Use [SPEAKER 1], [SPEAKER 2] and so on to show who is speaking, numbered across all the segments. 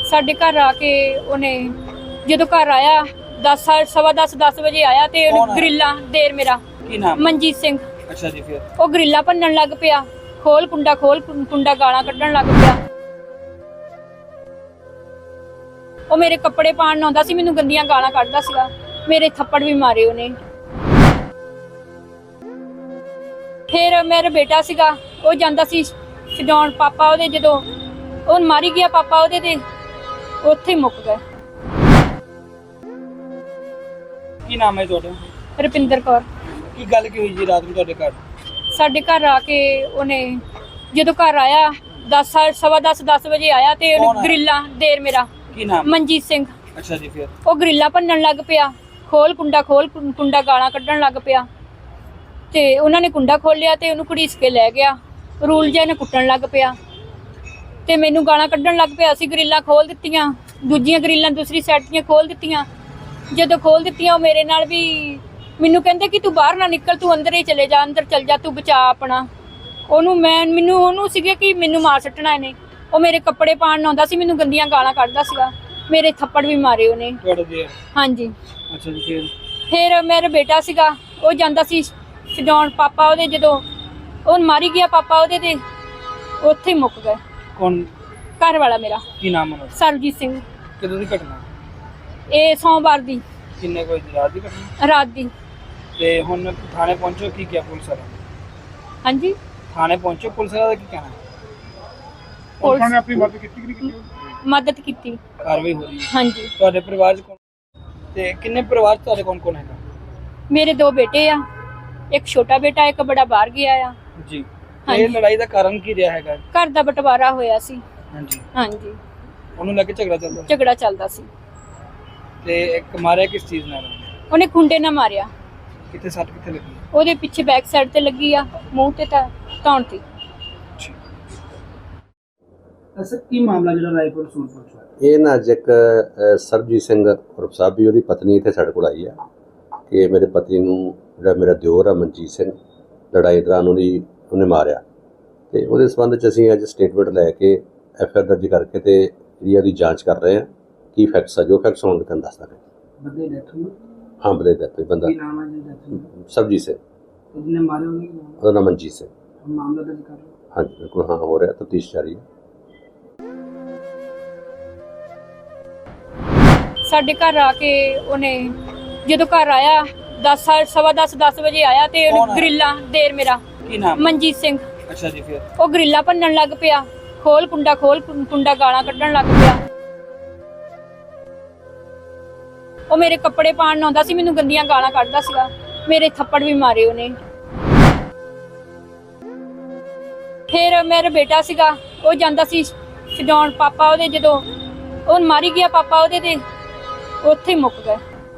[SPEAKER 1] ਸਾਡੇ ਘਰ ਆ ਕੇ ਉਹਨੇ ਜਦੋਂ ਘਰ ਆਇਆ 10 ਵਜੇ ਆਇਆ ਤੇ
[SPEAKER 2] ਕੌਣ
[SPEAKER 1] ਉਹਨੇ
[SPEAKER 2] ਆਇਆ?
[SPEAKER 1] ਗਰਿੱਲਾ ਦੇਰ ਮੇਰਾ
[SPEAKER 2] ਕੀ ਨਾਮ?
[SPEAKER 1] ਮਨਜੀਤ ਸਿੰਘ।
[SPEAKER 2] ਅੱਛਾ ਜੀ, ਫਿਰ
[SPEAKER 1] ਉਹ ਗਰਿੱਲਾ ਭੰਨਣ ਲੱਗ ਪਿਆ, ਖੋਲ ਕੁੰਡਾ ਗਾਲਾਂ ਕੱਢਣ ਲੱਗ ਪਿਆ। ਉਹ ਮੇਰੇ ਕੱਪੜੇ ਪਾਣ ਆਉਂਦਾ ਸੀ, ਮੈਨੂੰ ਗੰਦੀਆਂ ਗਾਲਾਂ ਕੱਢਦਾ ਸੀਗਾ, ਮੇਰੇ ਥੱਪੜ ਵੀ ਮਾਰੇ ਉਹਨੇ। ਫਿਰ ਮੇਰਾ ਬੇਟਾ ਸੀਗਾ, ਉਹ ਜਾਂਦਾ ਸੀ ਛਡਾਉਣ, ਪਾਪਾ ਉਹਦੇ ਜਦੋਂ ਉਹ ਮਾਰੀ ਗਿਆ, ਪਾਪਾ ਉਹਦੇ ਤੇ ਉੱਥੇ ਹੀ ਮੁੱਕ ਗਏ।
[SPEAKER 2] ਕੀ ਨਾਮ ਹੈ ਤੁਹਾਡਾ?
[SPEAKER 1] ਰੁਪਿੰਦਰ ਕੌਰ।
[SPEAKER 2] ਕੀ ਗੱਲ ਕੀ ਹੋਈ ਜੀ ਰਾਤ ਨੂੰ ਤੁਹਾਡੇ ਘਰ?
[SPEAKER 1] ਸਾਡੇ ਘਰ ਆ ਕੇ ਉਹਨੇ ਜਦੋਂ ਘਰ ਆਇਆ 10 ਵਜੇ ਆਇਆ ਤੇ
[SPEAKER 2] ਕੌਣ
[SPEAKER 1] ਉਹਨੇ
[SPEAKER 2] ਆਇਆ?
[SPEAKER 1] ਗਰਿੱਲਾ ਦੇਰ ਮੇਰਾ
[SPEAKER 2] ਕੀ ਨਾਮ?
[SPEAKER 1] ਮਨਜੀਤ ਸਿੰਘ।
[SPEAKER 2] ਅੱਛਾ ਜੀ, ਫਿਰ
[SPEAKER 1] ਉਹ ਗਰਿੱਲਾ ਭੰਨਣ ਲੱਗ ਪਿਆ, ਖੋਲ ਕੁੰਡਾ ਗਾਲਾਂ ਕੱਢਣ ਲੱਗ ਪਿਆ ਤੇ ਉਹਨਾਂ ਨੇ ਕੁੰਡਾ ਖੋਲਿਆ ਤੇ ਉਹਨੂੰ ਘੜੀਸ ਕੇ ਲੈ ਗਿਆ। ਰੂਲ ਜਿਹਾ ਨੇ ਕੁੱਟਣ ਲੱਗ ਪਿਆ ਤੇ ਮੈਨੂੰ ਗਾਲਾਂ ਕੱਢਣ ਲੱਗ ਪਿਆ। ਅਸੀਂ ਗਰਿੱਲਾਂ ਖੋਲ ਦਿੱਤੀਆਂ, ਦੂਜੀਆਂ ਗਰਿੱਲਾਂ ਦੂਸਰੀ ਸਾਈਡ ਦੀਆਂ ਖੋਲ ਦਿੱਤੀਆਂ। ਜਦੋਂ ਖੋਲ ਦਿੱਤੀਆਂ ਉਹ ਮੇਰੇ ਨਾਲ ਵੀ ਮੈਨੂੰ ਕਹਿੰਦੇ ਕਿ ਤੂੰ ਬਾਹਰ ਨਾ ਨਿਕਲ, ਤੂੰ ਅੰਦਰ ਹੀ ਚਲੇ ਜਾ, ਅੰਦਰ ਚਲ ਜਾ, ਤੂੰ ਬਚਾ ਆਪਣਾ। ਉਹਨੂੰ ਸੀਗੇ ਕਿ ਮੈਨੂੰ ਮਾਰ ਸੱਟਣਾ ਇਹਨੇ। ਉਹ ਮੇਰੇ ਕੱਪੜੇ ਪਾਣ ਆਉਂਦਾ ਸੀ, ਮੈਨੂੰ ਗੰਦੀਆਂ ਗਾਲਾਂ ਕੱਢਦਾ ਸੀਗਾ, ਮੇਰੇ ਥੱਪੜ ਵੀ ਮਾਰੇ ਉਹਨੇ।
[SPEAKER 2] ਤੁਹਾਡੇ ਦੇ?
[SPEAKER 1] ਹਾਂਜੀ।
[SPEAKER 2] ਅੱਛਾ ਜੀ,
[SPEAKER 1] ਫਿਰ ਮੇਰਾ ਬੇਟਾ ਸੀਗਾ, ਉਹ ਜਾਂਦਾ ਸੀ ਛਡਾਉਣ, ਪਾਪਾ ਉਹਦੇ ਜਦੋਂ ਉਹ ਮਾਰੀ ਗਿਆ, ਪਾਪਾ ਉਹਦੇ ਤੇ ਉੱਥੇ ਹੀ ਮੁੱਕ ਗਏ।
[SPEAKER 2] ਕੌਣ?
[SPEAKER 1] ਘਰ ਵਾਲਾ ਮੇਰਾ
[SPEAKER 2] ਕੀ ਨਾਮ ਹੈ?
[SPEAKER 1] ਸਰਬਜੀਤ ਸਿੰਘ।
[SPEAKER 2] ਕਦੋਂ ਦੀ ਘਟਨਾ?
[SPEAKER 1] ਇਹ ਸੋਮਵਾਰ ਦੀ
[SPEAKER 2] ਕਿੰਨੇ ਕੋਈ ਰਾਤ ਦੀ ਘਟਨਾ?
[SPEAKER 1] ਰਾਤ ਦੀ।
[SPEAKER 2] ਤੇ ਹੁਣ ਥਾਣੇ ਪਹੁੰਚੋ, ਕੀ ਕਿਹਾ ਪੁਲਿਸ ਵਾਲਾ?
[SPEAKER 1] ਹਾਂਜੀ,
[SPEAKER 2] ਥਾਣੇ ਪਹੁੰਚੋ, ਪੁਲਿਸ ਵਾਲਾ ਦਾ ਕੀ ਕਹਿਣਾ?
[SPEAKER 1] ਪੁਲਿਸ
[SPEAKER 2] ਨੇ ਆਪਣੀ ਮਦਦ ਕੀਤੀ ਕਿ ਨਹੀਂ ਕੀਤੀ?
[SPEAKER 1] ਮਦਦ ਕੀਤੀ।
[SPEAKER 2] ਕਾਰਵਾਈ ਹੋ ਰਹੀ ਹੈ।
[SPEAKER 1] ਹਾਂਜੀ।
[SPEAKER 2] ਤੁਹਾਡੇ ਪਰਿਵਾਰ ਚ ਕੌਣ ਤੇ ਕਿੰਨੇ ਪਰਿਵਾਰ ਚ ਤੁਹਾਡੇ ਕੌਣ ਹੈਗਾ?
[SPEAKER 1] ਮੇਰੇ 2 ਬੇਟੇ ਆ, ਇੱਕ ਛੋਟਾ ਬੇਟਾ, ਇੱਕ ਬੜਾ ਬਾਹਰ ਗਿਆ ਆ।
[SPEAKER 2] ਜੀ।
[SPEAKER 1] ਹਾਂਜੀ।
[SPEAKER 2] ਇਹ ਲੜਾਈ ਦਾ ਕਾਰਨ ਕੀ ਰਿਹਾ ਹੈਗਾ?
[SPEAKER 1] ਘਰ ਦਾ ਬਟਵਾਰਾ ਹੋਇਆ ਸੀ।
[SPEAKER 2] ਹਾਂਜੀ।
[SPEAKER 1] ਹਾਂਜੀ,
[SPEAKER 2] ਉਹਨੂੰ ਲੈ ਕੇ ਝਗੜਾ ਚੱਲਦਾ?
[SPEAKER 1] ਝਗੜਾ ਚੱਲਦਾ ਸੀ।
[SPEAKER 2] ਤੇ ਇੱਕ ਮਾਰਿਆ ਕਿਸ ਚੀਜ਼ ਨਾਲ?
[SPEAKER 1] ਉਹਨੇ ਖੁੰਡੇ ਨਾਲ ਮਾਰਿਆ।
[SPEAKER 2] ਕਿੱਥੇ ਸੱਟ ਕਿੱਥੇ ਲੱਗੀ?
[SPEAKER 1] ਉਹਦੇ ਪਿੱਛੇ ਬੈਕ ਸਾਈਡ ਤੇ ਲੱਗੀ ਆ, ਮੂੰਹ ਤੇ ਤਾਂ ਧੌਣ ਤੇ।
[SPEAKER 2] ਅਸਲ ਕੀ ਮਾਮਲਾ ਜਿਹੜਾ ਰਾਏਪੁਰ ਸੂਰਪੁਰ ਚ ਹੋਇਆ?
[SPEAKER 3] ਇਹ ਨਾ ਅੱਜ ਇੱਕ ਸਰਬਜੀਤ ਸਿੰਘ ਉਰਫ ਸਾਬੀ, ਉਹਦੀ ਪਤਨੀ ਇੱਥੇ ਸਾਡੇ ਕੋਲ ਆਈ ਆ ਕਿ ਮੇਰੇ ਪਤੀ ਨੂੰ ਜਿਹੜਾ ਮੇਰਾ ਦਿਓਰ ਆ ਮਨਜੀਤ ਸਿੰਘ, ਲੜਾਈ ਦੌਰਾਨ ਉਹਨੇ ਮਾਰਿਆ। ਤੇ ਉਹਦੇ ਸੰਬੰਧ 'ਚ ਅਸੀਂ ਅੱਜ ਸਟੇਟਮੈਂਟ ਲੈ ਕੇ ਐਫ ਆਈ ਆਰ ਦਰਜ ਕਰਕੇ ਤੇ ਜਿਹੜੀ ਉਹਦੀ ਜਾਂਚ ਕਰ ਰਹੇ ਹਾਂ। ਕੀ ਫੈਕਟਸ ਆ, ਜੋ ਫੈਕਟਸ ਹੋਣਗੇ ਤੁਹਾਨੂੰ ਦੱਸ ਦਾਂਗੇ।
[SPEAKER 2] ਬੰਦੇ ਡੈਥ ਹੋਈ?
[SPEAKER 3] ਹਾਂ, ਬੰਦੇ ਦੀ death ਹੋਈ। ਬੰਦਾ
[SPEAKER 2] ਕੀ ਨਾਮ ਹੈ ਜੀ ਡੈਥ ਹੋਈ?
[SPEAKER 3] ਸਰਬਜੀਤ ਸਿੰਘ,
[SPEAKER 2] ਜਿਹਨੇ ਮਾਰਿਆ ਉਹਨੇ ਕੀ ਨਾਮ?
[SPEAKER 3] ਉਹਦਾ ਨਾਮ ਮਨਜੀਤ ਸਿੰਘ।
[SPEAKER 2] ਮਾਮਲਾ ਦਰਜ ਕਰ ਲਓ।
[SPEAKER 3] ਹਾਂਜੀ ਬਿਲਕੁਲ, ਹਾਂ ਹੋ ਰਿਹਾ, ਤਫਤੀਸ਼ ਜਾਰੀ ਹੈ।
[SPEAKER 1] ਸਾਡੇ ਘਰ ਆ ਕੇ ਉਹਨੇ ਜਦੋਂ ਘਰ ਆਇਆ 10 ਵਜੇ ਆਇਆ ਤੇ
[SPEAKER 2] ਕੌਣ
[SPEAKER 1] ਉਹਨੇ
[SPEAKER 2] ਆਇਆ?
[SPEAKER 1] ਗਰਿੱਲਾ ਦੇਰ ਮੇਰਾ
[SPEAKER 2] ਕੀ ਨਾਮ?
[SPEAKER 1] ਮਨਜੀਤ ਸਿੰਘ।
[SPEAKER 2] ਅੱਛਾ ਜੀ, ਫਿਰ
[SPEAKER 1] ਉਹ ਗਰਿੱਲਾ ਭੰਨਣ ਲੱਗ ਪਿਆ, ਖੋਲ ਕੁੰਡਾ ਗਾਲਾਂ ਕੱਢਣ ਲੱਗ ਪਿਆ। ਉਹ ਮੇਰੇ ਕੱਪੜੇ ਪਾਣ ਆਉਂਦਾ ਸੀ, ਮੈਨੂੰ ਗੰਦੀਆਂ ਗਾਲਾਂ ਕੱਢਦਾ ਸੀਗਾ, ਮੇਰੇ ਥੱਪੜ ਵੀ ਮਾਰੇ ਉਹਨੇ। ਫਿਰ ਮੇਰਾ ਬੇਟਾ ਸੀਗਾ, ਉਹ ਜਾਂਦਾ ਸੀ ਛਡਾਉਣ, ਪਾਪਾ ਉਹਦੇ ਜਦੋਂ ਉਹ ਮਾਰੀ ਗਿਆ, ਪਾਪਾ ਉਹਦੇ ਤੇ ਉੱਥੇ ਹੀ ਮੁੱਕ ਗਏ।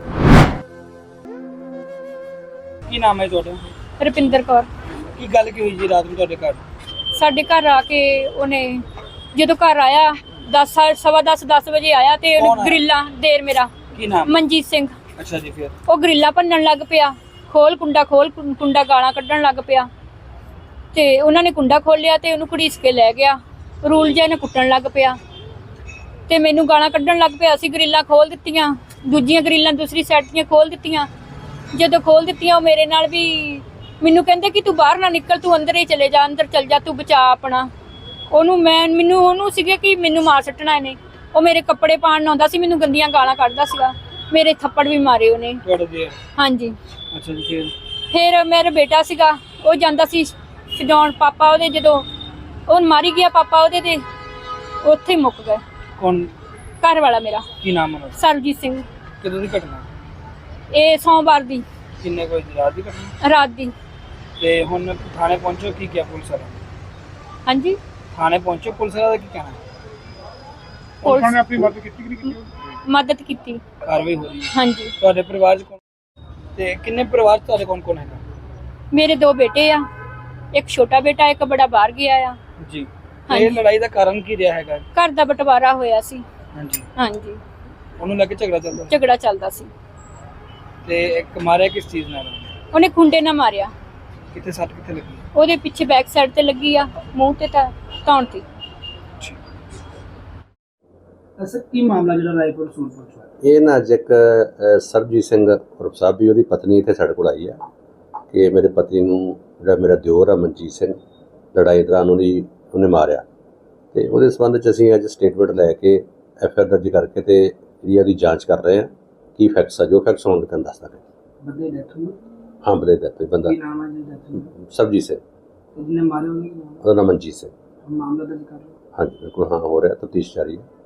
[SPEAKER 2] ਕੀ ਨਾਮ ਹੈ ਤੁਹਾਡਾ?
[SPEAKER 1] ਰੁਪਿੰਦਰ ਕੌਰ।
[SPEAKER 2] ਕੀ ਗੱਲ ਕੀ ਹੋਈ ਜੀ ਰਾਤ ਨੂੰ ਤੁਹਾਡੇ ਘਰ?
[SPEAKER 1] ਸਾਡੇ ਘਰ ਆ ਕੇ ਉਹਨੇ ਜਦੋਂ ਘਰ ਆਇਆ 10 ਵਜੇ ਆਇਆ ਤੇ
[SPEAKER 2] ਕੌਣ
[SPEAKER 1] ਉਹਨੇ
[SPEAKER 2] ਆਇਆ?
[SPEAKER 1] ਗਰਿੱਲਾ ਦੇਰ ਮੇਰਾ
[SPEAKER 2] ਕੀ ਨਾਮ?
[SPEAKER 1] ਮਨਜੀਤ ਸਿੰਘ।
[SPEAKER 2] ਅੱਛਾ ਜੀ, ਫਿਰ
[SPEAKER 1] ਉਹ ਗਰਿੱਲਾ ਭੰਨਣ ਲੱਗ ਪਿਆ, ਖੋਲ ਕੁੰਡਾ ਗਾਲਾਂ ਕੱਢਣ ਲੱਗ ਪਿਆ ਤੇ ਉਹਨਾਂ ਨੇ ਕੁੰਡਾ ਖੋਲਿਆ ਤੇ ਉਹਨੂੰ ਘੜੀਸ ਕੇ ਲੈ ਗਿਆ। ਰੂਲ ਜਿਹਾ ਨੇ ਕੁੱਟਣ ਲੱਗ ਪਿਆ ਤੇ ਮੈਨੂੰ ਗਾਲਾਂ ਕੱਢਣ ਲੱਗ ਪਿਆ। ਅਸੀਂ ਗਰਿੱਲਾਂ ਖੋਲ ਦਿੱਤੀਆਂ, ਦੂਜੀਆਂ ਗਰਿੱਲਾਂ ਦੂਸਰੀ ਸਾਈਡ ਦੀਆਂ ਖੋਲ ਦਿੱਤੀਆਂ। ਜਦੋਂ ਖੋਲ ਦਿੱਤੀਆਂ ਉਹ ਮੇਰੇ ਨਾਲ ਵੀ ਮੈਨੂੰ ਕਹਿੰਦੇ ਕਿ ਤੂੰ ਬਾਹਰ ਨਾ ਨਿਕਲ, ਤੂੰ ਅੰਦਰ ਹੀ ਚਲੇ ਜਾ, ਅੰਦਰ ਚਲ ਜਾ, ਤੂੰ ਬਚਾ ਆਪਣਾ। ਉਹਨੂੰ ਸੀਗੇ ਕਿ ਮੈਨੂੰ ਮਾਰ ਸੱਟਣਾ ਇਹਨੇ। ਉਹ ਮੇਰੇ ਕੱਪੜੇ ਪਾਣ ਆਉਂਦਾ ਸੀ, ਮੈਨੂੰ ਗੰਦੀਆਂ ਗਾਲਾਂ ਕੱਢਦਾ ਸੀਗਾ, ਮੇਰੇ ਥੱਪੜ ਵੀ ਮਾਰੇ ਉਹਨੇ।
[SPEAKER 2] ਤੁਹਾਡੇ ਦੇ?
[SPEAKER 1] ਹਾਂਜੀ।
[SPEAKER 2] ਅੱਛਾ ਜੀ, ਫਿਰ
[SPEAKER 1] ਫਿਰ ਮੇਰਾ ਬੇਟਾ ਸੀਗਾ, ਉਹ ਜਾਂਦਾ ਸੀ ਛਡਾਉਣ, ਪਾਪਾ ਉਹਦੇ ਜਦੋਂ ਉਹ ਮਾਰੀ ਗਿਆ, ਪਾਪਾ ਉਹਦੇ ਤੇ ਉੱਥੇ ਹੀ ਮੁੱਕ ਗਏ।
[SPEAKER 2] ਕੌਣ?
[SPEAKER 1] ਘਰ ਵਾਲਾ ਮੇਰਾ
[SPEAKER 2] ਕੀ ਨਾਮ ਹੈ?
[SPEAKER 1] ਸਰਬਜੀਤ ਸਿੰਘ।
[SPEAKER 2] ਕਦੋਂ ਦੀ ਘਟਨਾ?
[SPEAKER 1] ਇਹ ਸੋਮਵਾਰ ਦੀ
[SPEAKER 2] ਕਿੰਨੇ ਕੋਈ ਰਾਤ ਦੀ ਘਟਨਾ?
[SPEAKER 1] ਰਾਤ ਦੀ।
[SPEAKER 2] ਤੇ ਹੁਣ ਥਾਣੇ ਪਹੁੰਚੋ, ਕੀ ਕਿਹਾ ਪੁਲਿਸ ਵਾਲਾ?
[SPEAKER 1] ਹਾਂਜੀ,
[SPEAKER 2] ਥਾਣੇ ਪਹੁੰਚੋ, ਪੁਲਿਸ ਵਾਲਾ ਦਾ ਕੀ ਕਹਿਣਾ?
[SPEAKER 1] ਪੁਲਿਸ
[SPEAKER 2] ਨੇ ਆਪਣੀ ਮਦਦ ਕੀਤੀ ਕਿ ਨਹੀਂ ਕੀਤੀ?
[SPEAKER 1] ਮਦਦ ਕੀਤੀ।
[SPEAKER 2] ਕਾਰਵਾਈ ਹੋ ਰਹੀ ਹੈ।
[SPEAKER 1] ਹਾਂਜੀ।
[SPEAKER 2] ਤੁਹਾਡੇ ਪਰਿਵਾਰ ਚ ਕੌਣ ਤੇ ਕਿੰਨੇ ਪਰਿਵਾਰ ਚ ਤੁਹਾਡੇ ਕੌਣ ਹੈਗਾ?
[SPEAKER 1] ਮੇਰੇ 2 ਬੇਟੇ ਆ, ਇੱਕ ਛੋਟਾ ਬੇਟਾ, ਇੱਕ ਬੜਾ ਬਾਹਰ ਗਿਆ ਆ।
[SPEAKER 2] ਜੀ।
[SPEAKER 1] ਹਾਂਜੀ।
[SPEAKER 2] ਇਹ ਲੜਾਈ ਦਾ ਕਾਰਨ ਕੀ ਰਿਹਾ ਹੈਗਾ?
[SPEAKER 1] ਘਰ ਦਾ ਬਟਵਾਰਾ ਹੋਇਆ ਸੀ।
[SPEAKER 2] ਹਾਂਜੀ।
[SPEAKER 1] ਹਾਂਜੀ,
[SPEAKER 2] ਉਹਨੂੰ ਲੈ ਕੇ ਝਗੜਾ ਚੱਲਦਾ?
[SPEAKER 1] ਝਗੜਾ ਚੱਲਦਾ ਸੀ।
[SPEAKER 2] ਤੇ ਇੱਕ ਮਾਰਿਆ ਕਿਸ ਚੀਜ਼ ਨਾਲ?
[SPEAKER 1] ਉਹਨੇ ਖੁੰਡੇ ਨਾਲ ਮਾਰਿਆ।
[SPEAKER 2] ਕਿੱਥੇ ਸੱਟ ਕਿੱਥੇ ਲੱਗੀ?
[SPEAKER 1] ਉਹਦੇ ਪਿੱਛੇ ਬੈਕ ਸਾਈਡ ਤੇ ਲੱਗੀ ਆ, ਮੂੰਹ ਤੇ ਤਾਂ ਧੌਣ ਤੇ।
[SPEAKER 2] ਸਰ ਕੀ ਮਾਮਲਾ ਜਿਹੜਾ ਰਾਏਪੁਰ ਸੂਰਪੁਰ ਚ ਹੋਇਆ?
[SPEAKER 3] ਇਹ ਨਾ ਅੱਜ ਇੱਕ ਸਰਬਜੀਤ ਸਿੰਘ ਉਰਫ ਸਾਬੀ ਉਹਦੀ ਪਤਨੀ ਇੱਥੇ ਸਾਡੇ ਕੋਲ ਆਈ ਆ ਕਿ ਮੇਰੇ ਪਤੀ ਨੂੰ ਜਿਹੜਾ ਮੇਰਾ ਦਿਓਰ ਆ ਮਨਜੀਤ ਸਿੰਘ ਲੜਾਈ ਦੌਰਾਨ ਉਹਨੇ ਮਾਰਿਆ, ਤੇ ਉਹਦੇ ਸੰਬੰਧ 'ਚ ਅਸੀਂ ਅੱਜ ਸਟੇਟਮੈਂਟ ਲੈ ਕੇ ਐਫ ਆਈ ਆਰ ਦਰਜ ਕਰਕੇ ਤੇ ਜਿਹੜੀ ਉਹਦੀ ਜਾਂਚ ਕਰ ਰਹੇ ਹਾਂ। ਕੀ ਫੈਕਟਸ ਆ, ਜੋ ਫੈਕਟਸ ਹੋਣਗੇ ਤੁਹਾਨੂੰ ਦੱਸ ਦਾਂਗੇ।
[SPEAKER 2] ਬੰਦੇ ਡੈਥ ਹੋਈ?
[SPEAKER 3] ਹਾਂ, ਬੰਦੇ ਦਾ ਕੋਈ ਬੰਦਾ
[SPEAKER 2] ਕੀ ਨਾਮ ਹੈ ਜੀ ਡੈਥ ਹੋਈ?
[SPEAKER 3] ਸਰਬਜੀਤ ਸਿੰਘ,
[SPEAKER 2] ਜਿਹਨੇ ਮਾਰੇ ਉਹਨੇ ਕੀ ਨਾਮ?
[SPEAKER 3] ਉਹਦਾ ਨਾਮ ਮਨਜੀਤ ਸਿੰਘ।
[SPEAKER 2] ਮਾਮਲਾ ਦਰਜ ਕਰ ਲਓ।
[SPEAKER 3] ਹਾਂਜੀ ਬਿਲਕੁਲ, ਹਾਂ ਹੋ ਰਿਹਾ, ਤਫਤੀਸ਼ ਜਾਰੀ ਹੈ।